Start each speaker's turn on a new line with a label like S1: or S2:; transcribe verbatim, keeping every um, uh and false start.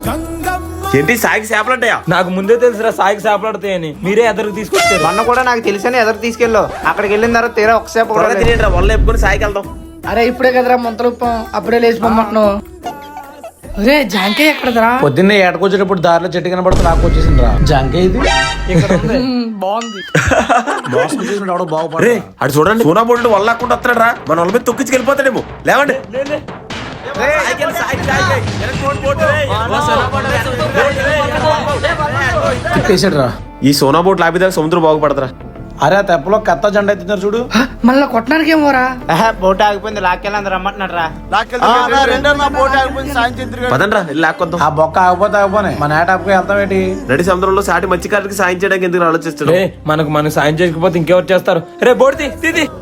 S1: ఏంటి సాయికి చేపలంటాయా?
S2: నాకు ముందే తెలుసురా సాయికి చేపలాడతాయని. మీరే ఎదురు తీసుకొచ్చారు.
S3: మొన్న కూడా నాకు తెలుసని ఎదురు తీసుకెళ్ళు. అక్కడికి వెళ్ళిన తర్వాత తీరా ఒకసేపు కూడా లేదు.
S1: తినేట్రా వల్ల చెప్పుకొని సాయికి వెళ్దాం.
S4: అరే ఇప్పుడే కదరా ముంతలుప్పాం, అప్పుడే లేచిపోమంటున్నావు. అరే జాంకాయ ఎక్కడదరా?
S5: పొద్దున్నే ఏటకొచ్చేటప్పుడు దారిలో చెట్టు కనబడితే నాకు వచ్చేసింది రా జాంకాయ ఇది.
S2: ఇక్కడ ఉంది.
S4: బాగుంది.
S5: దోశ వచ్చేసిన
S1: రే
S5: బాగుపడే
S1: అటు చూడండి, సోనా బోర్డు వల్ల లేకుండా వస్తాడు రా. మన వాళ్ళ మీద తొక్కించి వెళ్ళిపోతాడేమో. లేవండి.
S5: తిప్పేసాడు రా.
S1: ఈ సోనా బోట్ లాపిదాకా సముద్రం బాగుపడతారా?
S5: అరే ఆ తెప్పలో కత్త జెండా ఎత్తున్నారు చూడు.
S4: హ, మళ్ళా కొట్టడానికి ఏమోరా?
S3: బోట్ ఆగిపోయింది, లాక్కెళ్ళి రమ్మంటున్నాడు రా.
S1: పదండ్రా వెళ్ళి లాక్కొద్దాం.
S5: ఆ బొక్క ఆగిపోతే ఆగిపోయి మన ఏటాపుకి వెళ్తాం ఏంటి.
S1: నడి సముద్రంలో సాటి మత్స్యకారుడికి సాయం చేయడానికి ఎందుకు ఆలోచిస్తున్నాడు?
S2: రే మనకు మనకు సాయం చేయకపోతే ఇంకెవరు చేస్తారు? రే బోర్డు తీ, తీ, తీ.